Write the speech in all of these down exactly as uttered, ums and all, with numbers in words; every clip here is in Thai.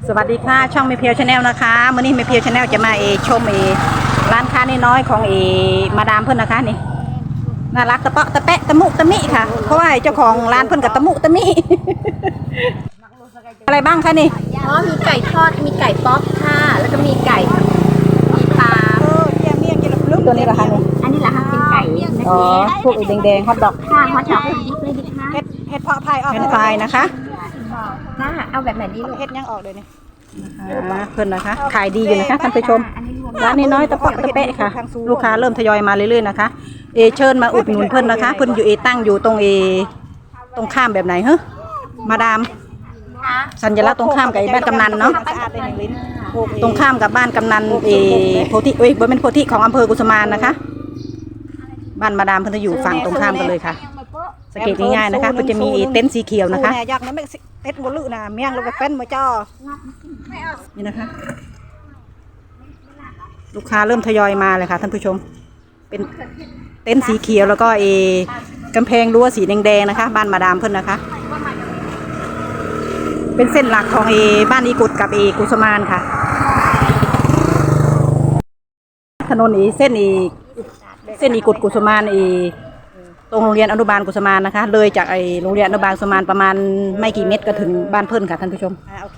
สวัสดีค่ะช่องเมเพียวชาแนลนะคะมื่อนี้เมเพียวชาแนลจะมาเอชมเอร้านค้าน้อยๆของเอมาดามเพื่อนนะคะนี่น่ารักตะเปาะตะแปะตะมุตะมิค่ะเพราะว่าเจ้าของร้านเพื่อนกับตะมุตะมิอะไรบ้างคะนี่อ๋อมีไก่ทอดมีไก่ป๊อปค่ะแล้วก็มีไก่มีปลาเออเยี่ยมเยี่ยมเยี่ยมลุ่มตัวนี้เหรอคะนี่อันนี้แหละค่ะเป็นไก่นะอ๋อพวกแดงๆฮอทดอกค่ะฮอทดอกยิบเลยดิค่ะเห็ดเห็ดเพาะพายออกเห็ดพายนะคะค่ะเอาแบบไหนดีลูกเห็ดยังออกเลยนี่เพื่อนนะคะขายดีอยู่นะคะท่านผู้ชมร้านน้อยๆตะเปาะตะแปะค่ะลูกค้าเริ่มทยอยมาเรื่อยๆนะคะเอเชิญมาอุดหนุนเพื่อนนะคะเพื่อนอยู่เอตั้งอยู่ตรงเอตรงข้ามแบบไหนเฮ้มาดามสัญลักษณ์ตรงข้ามกับบ้านกำนันเนาะตรงข้ามกับบ้านกำนันเอโพธิเอ้ยบริเวณโพธิของอำเภอกุสมานนะคะบ้านมาดามเพื่อนจะอยู่ฝั่งตรงข้ามกันเลยค่ะสังเกตง่ายๆนะคะเพื่อนจะมีเต็นท์สีเขียวนะคะอยากนะไม่เต็นท์บนลึกนะเมี่ยงลงไปเป็นมาจ่อนี่นะคะลูกค้าเริ่มทยอยมาเลยค่ะท่านผู้ชมเป็นเต็นท์สีเขียวแล้วก็เอกำแพงรั้วสีแดงๆนะคะบ้านมาดามเพื่อนนะคะเป็นเส้นหลักของเอบ้านอีกุดกับเอกุสมานค่ะถนนอีเส้นอีเส้นอีกุดกุสมานอีตรงโรงเรียนอนุบาลกุสมานนะคะเลยจากไอโรงเรียนอนุบาลกุสมานประมาณไม่กี่เมตรก็ถึงบ้านเพื่อนค่ะท่านผู้ชมอ่าโอเค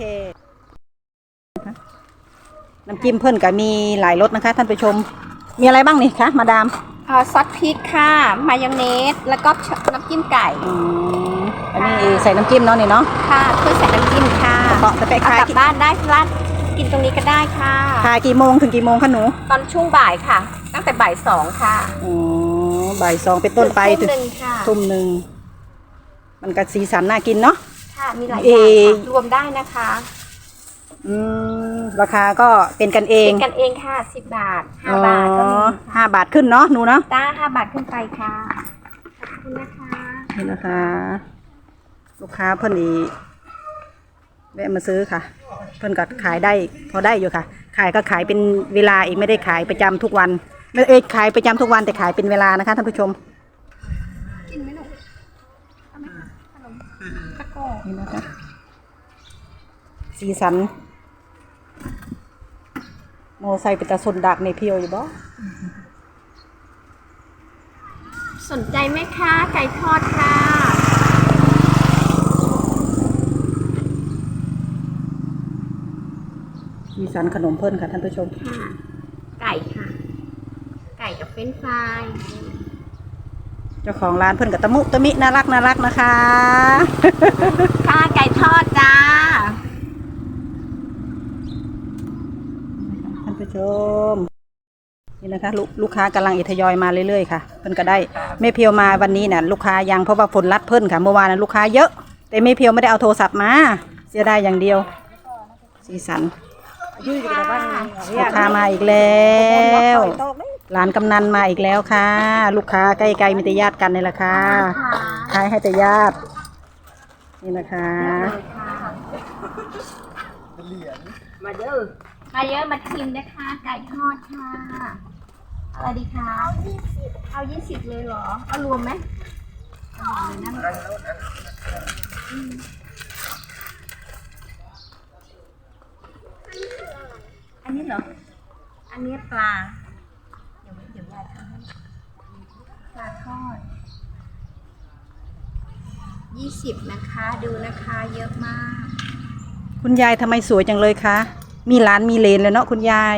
น้ำจิ้มเพื่อนก็มีหลายรสนะคะท่านผู้ชมมีอะไรบ้างนี่คะมาดามอ่าซอสพริกค่ะมายองเนสแล้วก็น้ำจิ้มไก่อืมอันนี้ใส่น้ำจิ้มเนาะนี่เนาะค่ะเพื่อใส่น้ำจิ้มค่ะเปาะตะเปะขายกลับบ้านได้ร้านกินตรงนี้ก็ได้ค่ะขายกี่โมงถึงกี่โมงคะหนูตอนช่วงบ่ายค่ะตั้งแต่บ่ายสองค่ะอ๋อบ่ายสองเป็นต้นไปถึงทุ่มหนึ่งค่ะทุ่มหนึ่งมันก็สีสันน่ากินเนาะค่ะมีหลายอย่างรวมได้นะคะอืมราคาก็เป็นกันเองเป็นกันเองค่ะสิบบาทห้าบาทก็มีห้าบาทขึ้นเนาะหนูเนาะจ้าห้าบาทขึ้นไปค่ะขอบคุณนะคะนี่นะคะลูกค้าเพิ่นอีแวะมาซื้อค่ะเพิ่นก็ขายได้พอได้อยู่ค่ะขายก็ขายเป็นเวลาอีกไม่ได้ขายประจำทุกวันไม่เอ้ยขายประจำทุกวันแต่ขายเป็นเวลานะคะท่านผู้ชมกินไหมลูกเอาไหมขนมตะโก้นี่นะคะสีสันโมไซเป็นตาสนดักในเพียวอยู่บ่สนใจไหมคะไก่ทอดค่ะสีสันขนมเพิ่นค่ะท่านผู้ชมค่ะไก่ค่ะไก่กับเฟรนช์ฟรายเจ้าของร้านเพิ่นกับตะมุตะมิน่ารักน่ารักนะคะค่ะไก่ทอดจ้าท่านผู้ชมนี่นะคะลูกลูกค้ากำลังอิทยอยมาเรื่อยๆค่ะเพิ่นก็ได้แม่เพียวมาวันนี้เนี่ยลูกค้ายังเพราะว่าฝนรัดเพิ่นค่ะเมื่อวานนั้นลูกค้าเยอะแต่แม่เพียวไม่ได้เอาโทรศัพท์มาเสียดายอย่างเดียวสีสันลูกค้ามาอีกแล้วร้านกำนันมาอีกแล้วค่ะลูกค้าใกล้ๆมีแต่ญาติกันนี่แหละค่ะขายให้แต่ญาตินี่นะคะมาเยอะมาเยอะมาชิมนะคะไก่ทอดค่ะอะไรดีคะเอายี่สิบเอายี่สิบเลยเหรอเอารวมไหมเอาเลยนะอันนี้เหรออันนี้ปลาเดี๋ยวเดี๋ยวยายทำให้ปลาทอดยี่สิบนะคะดูนะคะเยอะมากคุณยายทำไมสวยจังเลยคะมีหลานมีเลนเลยเนาะคุณยาย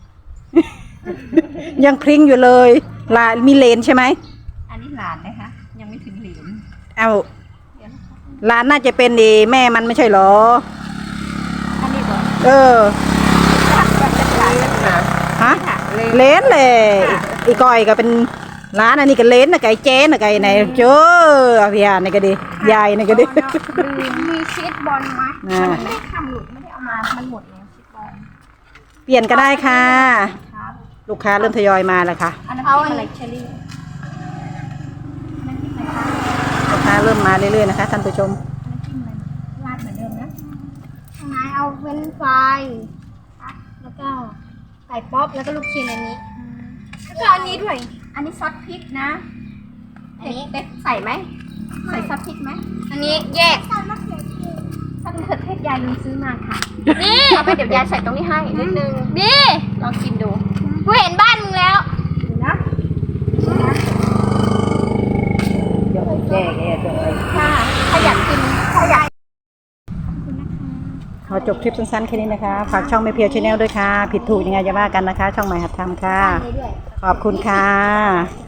ยังพริ้งอยู่เลยหลานมีเลนใช่ไหมอันนี้หลานนะคะยังไม่ถึงเหลนเอาหลานน่าจะเป็นดีแม่มันไม่ใช่หรออันนี้ก่อนเออฮะเลนเลยอีกอยก็เป็นร้านอันนี้ก็เลนนะไก่เจ๊นะไก่ไหนเจ้อพี่อานี่ก็ดียายนี่ก็ดีมีชีสบอลไหมมันไม่ได้ทำหลุดไม่ได้เอามามันหมดแล้วชีสบอลเปลี่ยนก็ได้ค่ะลูกค้าเริ่มทยอยมาแล้วค่ะเอาอะไรเชอรี่ลูกค้าเริ่มมาเรื่อยๆนะคะท่านผู้ชมราดเหมือนเดิมนะข้างในเอาเฟรนช์ฟรายแล้วก็ไก่ป๊อปแล้วก็ลูกชิ้นอันนี้แล้วก็อันนี้ด้วยอันนี้ซอสพริกนะอันนี้เด็กใส่ไหมใส่ซอสพริกไหมอันนี้แยกใส่มะเขือเทศถ้ามะเขือเทศยายลืมซื้อมาค่ะนี่เอาไปเดี๋ยวยายใส่ตรงนี้ให้นิดนึงนี่ลองกินดูกูเห็นบ้านมึงแล้วนะเดี๋ยวแก้แก้เดี๋ยวค่ะถ้าอยากกินถ้าอยากขอจบคลิปสั้นๆแค่นี้นะคะ ฝากช่องแม่เพียวชาแนลด้วยค่ะ ผิดถูกยังไงจะว่ากันนะคะ ช่องใหม่หัดทำค่ะ ขอบคุณค่ะ